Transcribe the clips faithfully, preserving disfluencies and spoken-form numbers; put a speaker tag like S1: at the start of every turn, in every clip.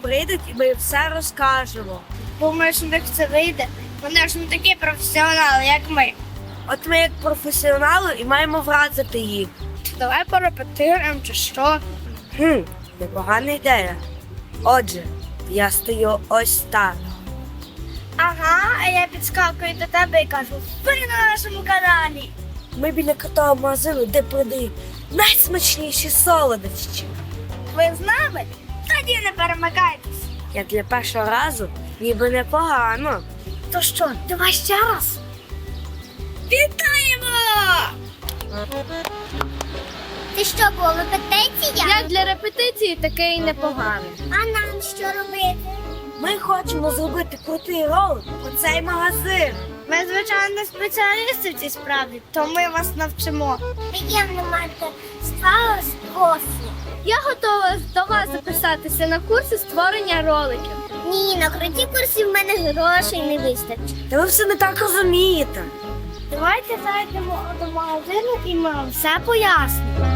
S1: прийдуть і ми їм все розкажемо.
S2: Думаєш, у них це вийде? Вони ж не такі професіонали, як ми.
S1: От ми як професіонали і маємо вразити їх.
S2: Давай порепетируємо чи що.
S1: Хм, непогана ідея. Отже, я стою ось так.
S2: Ага, а я підскакую до тебе і кажу, ви на нашому каналі.
S1: Ми біля крутого магазину, де продають найсмачніші солодощі.
S2: Ви з нами? Тоді не перемикайтесь.
S1: Як для першого разу, ніби непогано.
S2: То що, давай ще раз. Вітаємо!
S3: Це що було, репетиція?
S2: Як для репетиції таке і непогано.
S3: А нам що робити?
S1: Ми хочемо зробити крутий ролик про цей магазин.
S2: Ми, звичайно, не спеціалісти в цій справі, то ми вас навчимо.
S3: Приємно мати справу з профі.
S2: Я готова до вас записатися на курси створення роликів.
S3: Ні, на круті курсі в мене грошей не вистачить.
S1: Та ви все не так розумієте.
S2: Давайте зайдемо до магазину і ми вам все пояснимо.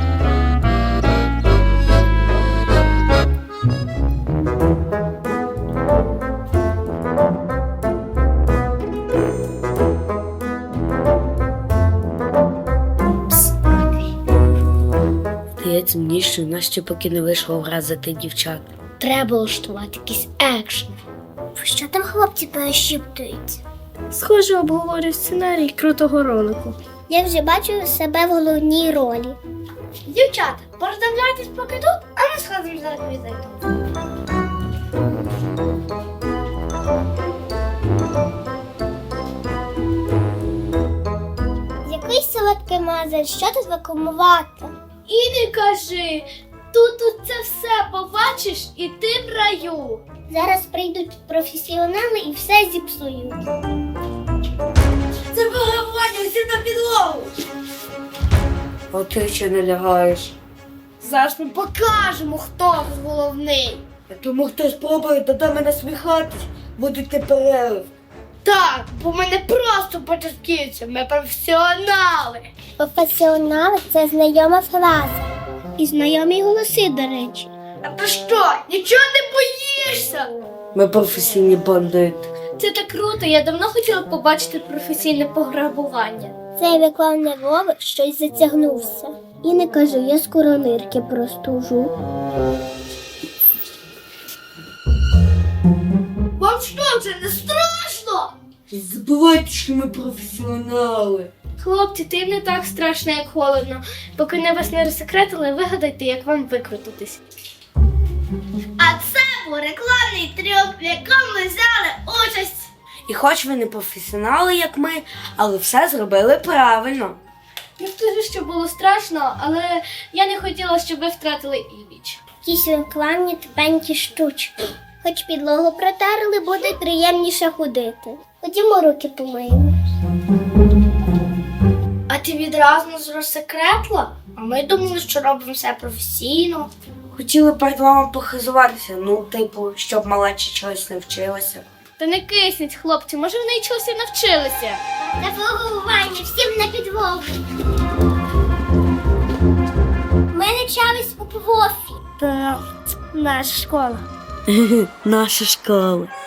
S1: Здається мені, що в нас ще поки не вийшло вразити дівчат.
S2: Треба влаштувати якийсь екшн.
S3: Що там хлопці перешіптують?
S2: Схоже, обговорюю сценарій крутого ролику.
S3: Я вже бачу себе в головній ролі.
S2: Дівчата, пороздивляйтесь поки тут, а ми сходимо за реквізитом.
S3: Який солодкий магазин, що тут рекламувати?
S2: І не кажи, тут, тут це все побачиш і ти в раю.
S3: Зараз прийдуть професіонали і все зіпсують.
S1: Це пограбування, всі на підлогу. А ти ще не лягаєш.
S2: Зараз ми покажемо, хто тут головний.
S1: Тому хто спробує до мене сміхатись, будуть не перерив.
S2: Так, бо ми не просто початківці, ми професіонали.
S3: Професіонали – це знайома фраза. І знайомі голоси, до речі.
S2: А ти що, нічого не боїшся?
S1: Ми професійні бандити.
S2: Це так круто, я давно хотіла побачити професійне пограбування.
S3: Цей рекламний ролик щось затягнувся. І не кажу, я скоро нирки простужу.
S2: Вам що, це не страшно?
S1: Забувайте, що ми професіонали.
S2: Хлопці, ти не так страшно, як холодно. Поки не вас не розсекретили, вигадайте, як вам викрутитись. А це був рекламний трюк, в якому ми взяли участь.
S1: І хоч ви не професіонали, як ми, але все зробили правильно.
S2: Не скажу, що було страшно, але я не хотіла, щоб ви втратили імідж.
S3: Якісь рекламні тупенькі штучки. Хоч підлогу протерли, буде приємніше ходити. Ходімо руки помиємо.
S2: А ти відразу нас розсекретила? А ми думали, що робимо все професійно.
S1: Хотіли перед вами похизуватися, ну, типу, щоб малечі чогось не вчилася.
S2: Та не кисніть, хлопці, може вони й чогось і навчилися.
S3: На погування, всім на підлогу. Ми навчались у профі.
S2: Та наша школа.
S1: Наша школа.